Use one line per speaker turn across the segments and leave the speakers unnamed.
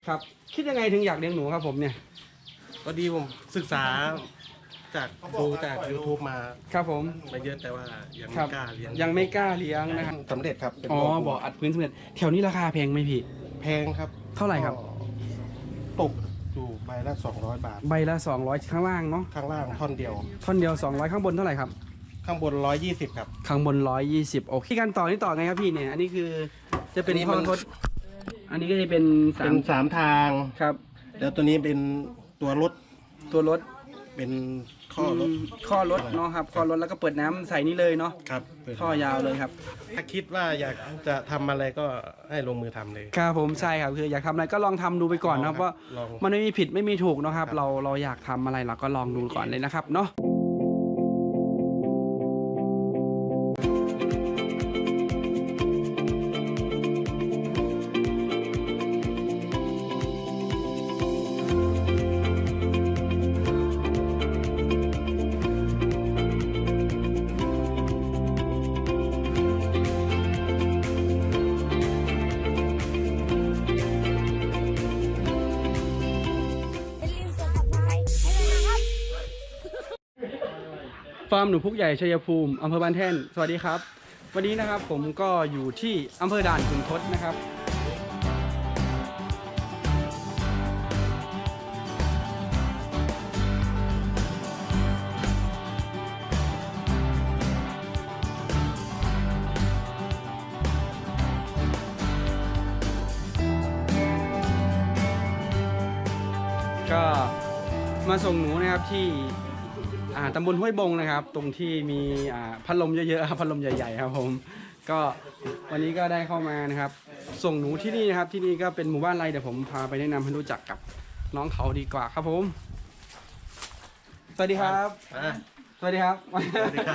ครับคิดยังไงถึงอยากเลี้ยงหนูครับผมเนี่ย
พอดีผมศึกษาจากดูจาก YouTube มา
ครับผม
มาเยอะแต่ว่ายัง
ครั
ไม่
บ
กล้าเลี้ยง
ยังไม่กล้าเลี้ยงนะครับ
สำเร็จครับเป็น
อ๋อ
ปู
บ่ออัดพื้นสำเร็จแถวนี้ราคาแพงไหมพี่
แพงครับ
เท่าไหร่ครับ
ก็ตกอยู่ใบละ200 บาท
ใบละ200ข้างล่างเนาะ
ข้างล่างท่อนเดียว
ท่อนเดียว200ข้างบนเท่าไหร่ครับ
ข้างบน120ครับ
ข้างบน120โอเคการต่อนี่ต่อไงครับพี่เนี่ยอันนี้คือจะเป็น
อันนี้
ท่อ
มัน
ทดอันนี้ก็จะเป็นสา
เป็
ม
น3ทาง
ครับ
แล้วตัวนี้เป็นตัวรถ
ตัวรถ
เป็นข้อรถ
ข้อรถเนาะครับข้อรถแล้วก็เปิดน้ำใส่นี่เลยเนาะ
ครับเปิด
ท่อยาวเลยครับ
ถ้าคิดว่าอยากจะทำอะไรก็ให้ลงมือทำเลย
ครับผมใช่ครับคืออยากทำอะไรก็ลองทำดูไปก่อนนะครับว่า
ลอง
มันไม่มีผิดไม่มีถูกเนอะครับ
ครับ
เราอยากทำอะไรเราก็ลองดูก่อนเลยนะครับเนาะ
อย่าลืมกด subscribe ให้ด้วยนะครับ
ฟาร์มหนูพุกใหญ่ชัยภูมิอำเภอบ้านแท่นสวัสดีครับ วันนี้นะครับผมก็อยู่ที่อำเภอด่านขุนทดนะครับก็มาส่งหนูนะครับที่ตำบลห้วยบงนะครับ ตรงที่มีพัดลมเยอะๆครับพัดลมใหญ่ๆครับผมก็วันนี้ก็ได้เข้ามานะครับ ส่งหนูที่นี่นะครับที่นี่ก็เป็นหมู่บ้านไรเดี๋ยวผมพาไปแนะนำให้รู้จักกับน้องเขาดีกว่าครับผมสวัสดีครับ
อ่ะ
สวัสดีครับ
สวัสดีครับ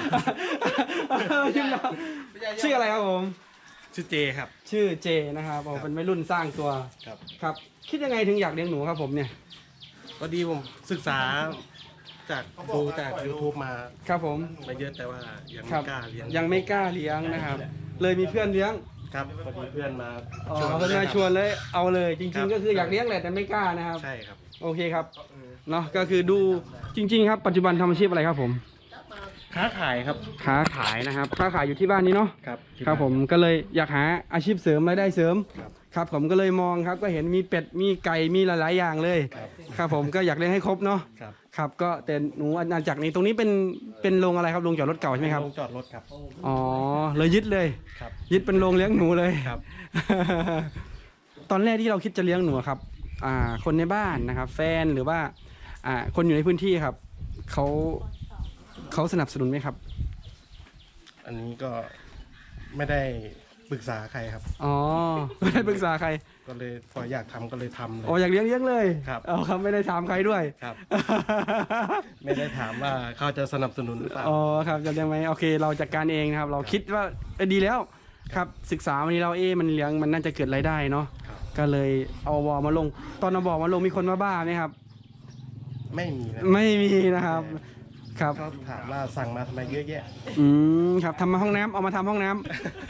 ชื่ออะไรครับผม
ชื่อเจครับ
ชื่อเจนะครับผม
ครับ
เป็นวัยรุ่นสร้างตัว
ครับ
ครับ คิดยังไงถึงอยากเลี้ยงหนูครับผมเนี่ย
พอดีผมศึกษาจากดูจาก YouTube มา
ครับผม
มาเยอะแต่ว่ายัง
ครั
ไม่
บ
กล้าเลี้ยง
ยังไม่กล้าเลี้ยงนะครับ เลยมีเพื่อนเลี้ยง
ครับพอดีเพื่อนมา
อ๋อเพื่อนมาชวนเลยเอาเลยจ
ครั
ริง
บ
ๆ ก็คืออยากเลี้ยงแหละแต่ไม่กล้านะครับ
ใช่ครับ
โอเคครับเนาะก็คือดูจริง ๆ ครับปัจจุบันทำอาชีพอะไรครับผม
ค้าขายครับ
ค้าขายนะครับค้าขายอยู่ที่บ้านนี้เนาะ
ครับ
ครับผมก็เลยอยากหาอาชีพเสริมรายได้เสริม
ครับ
ครับผมก็เลยมองครับก็เห็นมีเป็ดมีไก่มีหลายๆอย่างเลย
ครับ
ครับผมก็อยากเลี้ยงให้ครบเนาะ
ครับ
ครับก็แต่หนูอาณาจักรนี้ตรงนี้เป็นโรงอะไรครับโรงจอดรถเก่าใช่ไหมครับ
ลงจอดรถครับ
อ๋อเลยยึดเลย
ครับ
ยึดเป็นโรงเลี้ยงหนูเลย
ครับ
ตอนแรกที่เราคิดจะเลี้ยงหนูครับคนในบ้านนะครับ แฟนหรือว่าคนอยู่ในพื้นที่ครับเขาสนับสนุนไหมครับ
อันนี้ก็ไม่ได้ปรึกษาใครครับ
อ๋อไม่ได้ปรึกษาใคร
ก็เลยพออยากทำก็เลยทำเลย
อ๋ออยากเลี้ยงเลย
ครับ
อ๋อครับไม่ได้ถามใครด้วย
ครับ ไม่ได้ถามว่าเขาจะสนับสนุนหรือเปล่า
อ๋อครับจะเลี้ยงไหมโอเค เราจัดการเองนะครับ เราคิดว่าดีแล้วครับศึกษาวันนี้เรามันเลี้ยงมันน่าจะเกิดรายได้เนาะ
ครับ
ก็เลยเอาบอมาลง ตอนเอาบอมาลงมีคนมาบ้าไหมครับ
ไม่มีนะ
ไม่มีนะครับครับ
เขาถามว่าสั่งมาทำไมเยอะแยะ
ครับทำมาห้องน้ำเอามาทำห้องน้ำ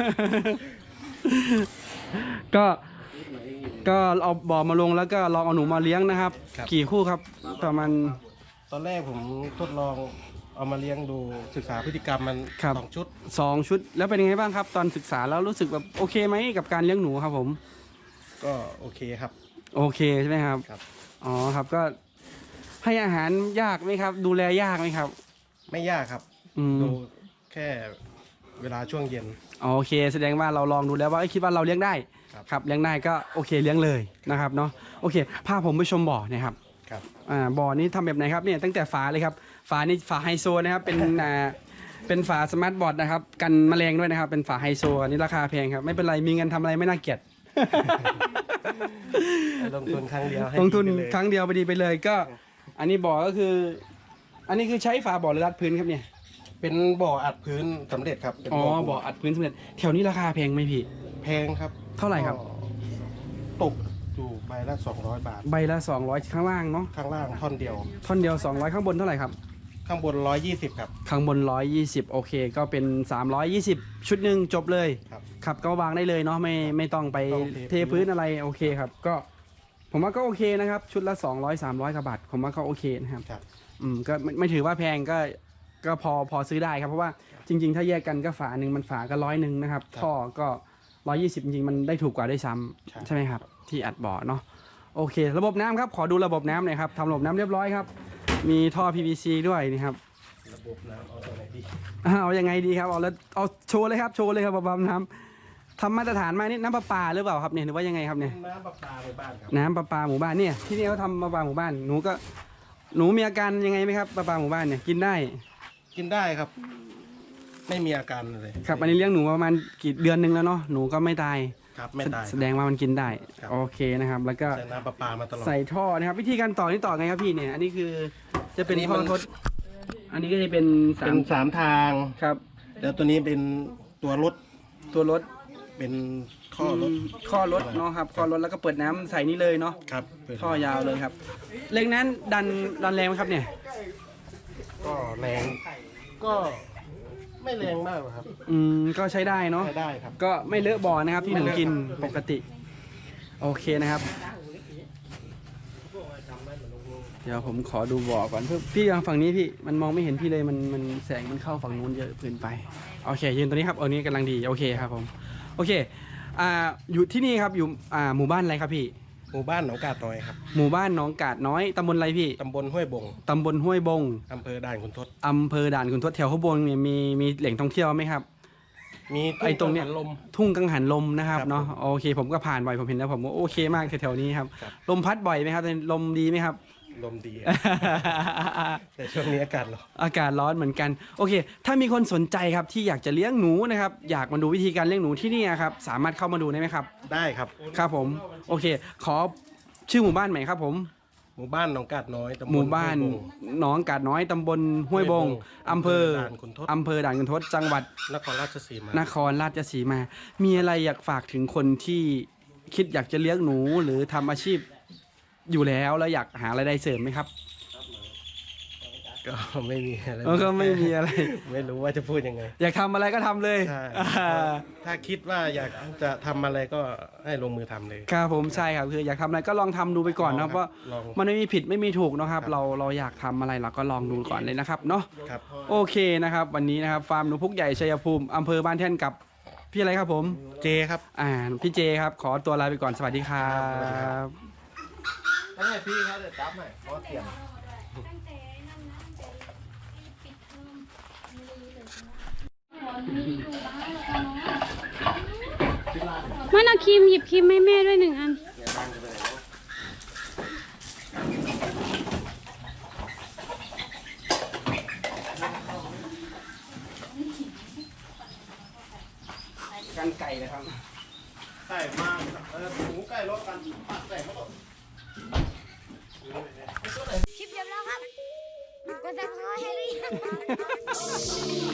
ก็เอาบ่อมาลงแล้วก็ลองเอาหนูมาเลี้ยงนะครับ
ครับ
กี่คู่ครับประมาณ
ตอนแรกผมทดลองเอามาเลี้ยงดูศึกษาพฤติกรรมมัน
ครับ
2 ชุด
2 ชุด แล้วเป็นยังไงบ้างครับ ตอนศึกษาแล้วรู้สึกแบบโอเคไหมกับการเลี้ยงหนูครับผม
ก็โอเคครับ
โอเคใช่ไหมครับ
ครับ
อ๋อครับก็ให้อาหารยากไหมครับ ดูแลยากไหมครับ
ไม่ยากครับ
อืม
ดูแค่เวลาช่วงเย็น
โอเค แสดงว่าเราลองดูแล้วว่าคิดว่าเราเลี้ยงได้
ครับ
ครับเลี้ยงได้ก็โอเคเลี้ยงเลยนะครับเนาะโอเคพาผมไปชมบ่อนะครับ
ครับ
บ่อนี้ทำแบบไหนครับเนี่ยตั้งแต่ฝาเลยครับฝานี่ฝาไฮโซนะครับเป็นเป็นฝาสมาร์ทบอร์ดนะครับกันแมลงด้วยนะครับเป็นฝาไฮโซอันนี้ราคาแพงครับไม่เป็นไรมีเงินทำอะไรไม่น่าเกลียด
ลงทุนครั้งเดียวให้
ลงทุน
ดีไปเลย
ครั้งเดียวไปดีไปเลยก็ อันนี้บ่อก็คือ อันนี้คือใช้ฝาบ่อหรือรัดพื้นครับเนี่ย
เป็นบ่ออัดพื้นสำเร็จครับเป็น
อ๋อ
ปูน
บ่ออัดพื้นสำเร็จแถวนี้ราคาแพงไหมพี่
แพงครับ
เท่าไหร่ครับ
ก็ตกอยู่ใบละ200 บาท
ใบละ200ข้างล่างเนาะ
ข้างล่างท่อนเดียว
ท่อนเดียว200ข้างบนเท่าไหร่ครับ
ข้างบน120ครับ
ข้างบน120โอเคก็เป็น320ชุดหนึ่งจบเลย
ครับ
ครับก็วางได้เลยเนาะไม่ต้องไป
ต้อง
เทพื้นอะไรโอเคครับ ก็ผมว่าก็โอเคนะครับ ชุดละ200-300กว่าบาทผมว่าก็โอเคนะครับ
ครับ
ก็ไม่ถือว่าแพงก็พอซื้อได้ครับเพราะว่าจริง ๆ ถ้าแยกกันก็ฝาหนึ่งมันฝาก็100นะครับท่อก็120จริงๆมันได้ถูกกว่าด้วยซ้ำใช่ไหมครับที่อัดบ่อเนาะโอเค ระบบน้ำครับขอดูระบบน้ำหน่อยครับทำระบบน้ำเรียบร้อยครับมีท่อ PVC ด้วยนี่ครับ
ระบบน้ำเอาตัวไหนดี
เอายังไงดีครับเอาโชว์เลยครับระบบน้ำทำมาตรฐานมานี่น้ำประปาหรือเปล่าครับเนี่ยหรือว่ายังไงครับเนี่ย
น้ำประปาในบ้านครับ
น้ำประปาหมู่บ้านเนี่ยที่นี่เขาทำประปาหมู่บ้านหนูมีอาการยังไงไหมครับประปาหมู่บ้านเนี่ยกินได้
กินได้ครับ ไม่มีอาการเลย
ครับอันนี้เลี้ยงหนูประมาณกี่เดือนหนึ่งแล้วเนาะหนูก็ไม่ตาย
ครับไม่ตาย
แสดงว่ามันกินได้
ครับ
โอเคนะครับ แล้วก็
ใส่น้ำประปามาตลอด
ใส่ท่อนะครับ วิธีการต่อนี่ต่อไงครับพี่เนี่ย อันนี้คือจะเป็น
อันนี้
ท่อ
มัน
ทดอันนี้ก็จะเป็น
เป็น3 ทาง
ครับ
แล้วตัวนี้เป็นตัวรถ
ตัวรถ
เป็นข้อรถ
ข้อรถเนาะครับข้อรถแล้วก็เปิดน้ำใส่นี่เลยเนาะ
ครับเป็น
ท่อยาวเลยครับเล็งนั้นดันแรงไหมครับเนี่ย
ก็แรงก็ไม่แรงมากหรอกครับ
ก็ใช้ได้เนาะ
ใช้ได้ครับ
ก็ไม่เลอะบ่อนะครับที่หนูกินปกติ โอเคนะครับ เดี๋ยวผมขอดูบ่อก่อนเพื่อพี่ฝั่งนี้พี่มันมองไม่เห็นพี่เลยมันแสงมันเข้าฝั่งนู้นเยอะเกินไปโอเคยืนตัวนี้ครับอันนี้กำลังดีโอเคครับผมโอเคอยู่ที่นี่ครับอยู่หมู่บ้านอะไรครับพี่
หมู่บ้านหนองกาดน้อยครับ
หมู่บ้านหนองกาดน้อยตำบลอะไรพี่
ตำบลห้วยบง
ตำบลห้วยบง
อำเภอด่านขุนทด
อำเภอด่านขุนทดแถวข้างบนเนี่ยมีแหล่งท่องเที่ยวไหมครับ
มี
ไอ้ตรงเนี้ย
กังหัลม
ทุ่งกังหันลมนะครับ
ครับ
เนาะโอเคผมก็ผ่านบ่อยผมเห็นแล้วผมก็โอเคมากแถวๆนี้ครับ
ครับ
ลมพัดบ่อยไหมครับลมดีไหมครับ
ลมดี แต่ช่วงนี้อากาศร้อน
อากาศร้อนเหมือนกันโอเค ถ้ามีคนสนใจครับที่อยากจะเลี้ยงหนูนะครับอยากมาดูวิธีการเลี้ยงหนูที่นี่ครับสามารถเข้ามาดูได้ไหมครับ
ได้ครับ
ครับผมโอเค ขอชื่อหมู่บ้านใหม่ครับผม
หมู่บ้านหนองกาดน้อยตำบล
หมู่บ้าน
ห้วยบง
หนองกาดน้อยตำบลห้วยบงอำเภอ
ด่านขุนทด
อำเภอด่านขุนทดจังหวัด
นครราชสีมา
นครราชสีมา มีอะไรอยากฝากถึงคนที่คิดอยากจะเลี้ยงหนูหรือทำอาชีพอยู่แล้วอยากหารายได้เสริมไหมครับ
ก็ไม่มีอะไร
ก็ไม่มีอะไร
ไม่รู้ว่าจะพูดยังไง
อยากทำอะไรก็ทำเลย
ใช่ถ้าคิดว่าอยากจะทำอะไรก็ให้ลงมือทำเลย
ครับผมใช่ครับคืออยากทำอะไรก็ลองทำดูไปก่อนนะเพราะ
ลอง
มันไม่มีผิดไม่มีถูกนะครับ
ครับ
เราอยากทำอะไรเราก็ลองดูก่อนเลยนะครับเนาะ
ครับ
โอเคนะครับ วันนี้นะครับฟาร์มหนูพุกใหญ่ชัยภูมิอำเภอบ้านแท่นกับพี่อะไรครับผม
เจครับ
พี่เจครับขอตัวลาไปก่อนสวัสดีครับ
นั่นไงพี่เขาจะจับหน่อยเพราะเสียง
มันเอาครีมหยิบครีมให้แม่ด้วย1 อัน
กันไก่นะครับ
ไก่มากหมูไก่รสกันปัดใส่เข้าไป
คลิปจบแล้วครับกดซับสไครต์ให้หรือยัง